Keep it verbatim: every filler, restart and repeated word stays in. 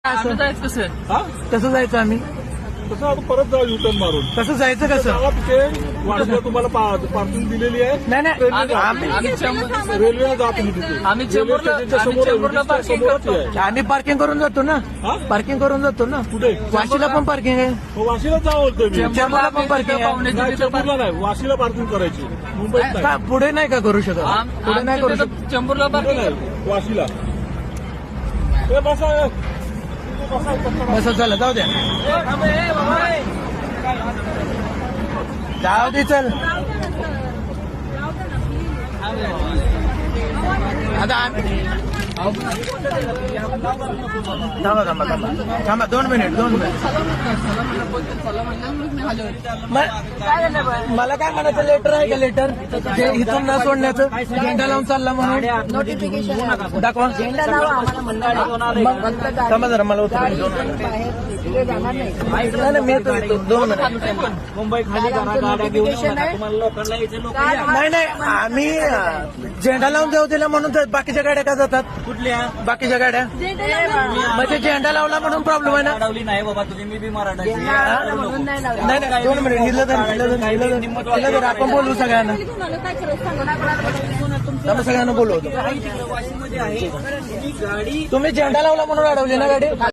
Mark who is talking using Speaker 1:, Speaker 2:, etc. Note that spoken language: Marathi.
Speaker 1: आम्ही जायचं कसं
Speaker 2: हा
Speaker 3: कसं जायचं आम्ही
Speaker 2: तसं आपण परत जाऊ युटर्न मारून
Speaker 3: कसं जायचं कसं
Speaker 2: गावात तिथे वाटलं तुम्हाला पा- पार्किंग दिलेली आहे.
Speaker 3: नाही नाही
Speaker 2: रेल्वे जा.
Speaker 1: आम्ही आम्ही चेंबूर
Speaker 2: रेल्वेला जा तुम्ही तिथे
Speaker 1: आम्ही चेंबूरला
Speaker 2: रेल्वे स्टेशनच्या
Speaker 1: आम्ही
Speaker 2: समोर आहे,
Speaker 1: चेंबूरला
Speaker 2: ब्रिजच्या
Speaker 1: पार्किंग
Speaker 2: समोरच
Speaker 1: करतो.
Speaker 2: आहे.
Speaker 3: आम्ही पार्किंग करून जातो ना
Speaker 2: हा?
Speaker 3: पार्किंग करून जातो ना
Speaker 2: कुठे
Speaker 3: वाशीला पण पार्किंग आहे
Speaker 2: हो, वाशीला जा बोलतोय मी
Speaker 1: चेंबूरला
Speaker 3: चेंबूरला पण
Speaker 1: आम्ही
Speaker 3: parking
Speaker 1: तिथं
Speaker 3: आहे.
Speaker 1: पाहुण्याच्या
Speaker 2: नाही,
Speaker 1: तिथं
Speaker 2: चेंबूरला नाही वाशीला पार्किंग करायची मुंबईत नाही.
Speaker 3: का पुढे नाही का करू शकत
Speaker 1: आम-
Speaker 3: पुढे नाही करू
Speaker 1: आमच्या
Speaker 3: शकत
Speaker 1: तिथं चेंबूरला
Speaker 2: कुठे
Speaker 1: पार्किंग
Speaker 2: नाही वाशीला ए, बसा ए. बसा, बसा.
Speaker 3: बस चला जाऊ द्या जाऊ दे चल आता आम्ही थांबा थांबा थांबा थांबा दोन मिनिट दोन मिनिट म- मला काय म्हणायचं लेटर आहे का लेटर जे इथून न सोडण्याचं झेंडा लावून चालला म्हणून
Speaker 4: नोटिफिकेशन
Speaker 3: दाखवा
Speaker 4: झेंडा लावा आम्हाला मंडळ
Speaker 3: मग थांबा जरा मला उतरून दोन मिनिट
Speaker 4: तिथे जाणार नाही
Speaker 3: नाही नाही, मी येतो येतो. दोन मिनिट
Speaker 4: मुंबई खाली नोटिफिकेशन आहे
Speaker 3: नाही नाही आम्ही अं, झेंडा लावून देऊ दिला म्हणून तर बाकीच्या गाड्या का जातात कुठल्या बाकीच्या गाड्या म्हणजे झेंडा लावला म्हणून प्रॉब्लेम आहे ना
Speaker 5: नाही बाबा तुम्ही मी बी मराठा
Speaker 4: म्हणून नाही लावला.
Speaker 3: नाही नाही दोन मिनिट हिला तर हिला तर हिला तर हिला तर आपण बोलू सगळ्यांना त्यामुळे सगळ्यांना बोलवतो
Speaker 5: वाशिममध्ये आहे ती गाडी
Speaker 3: तुम्ही झेंडा लावला म्हणून अडवली ना गाडी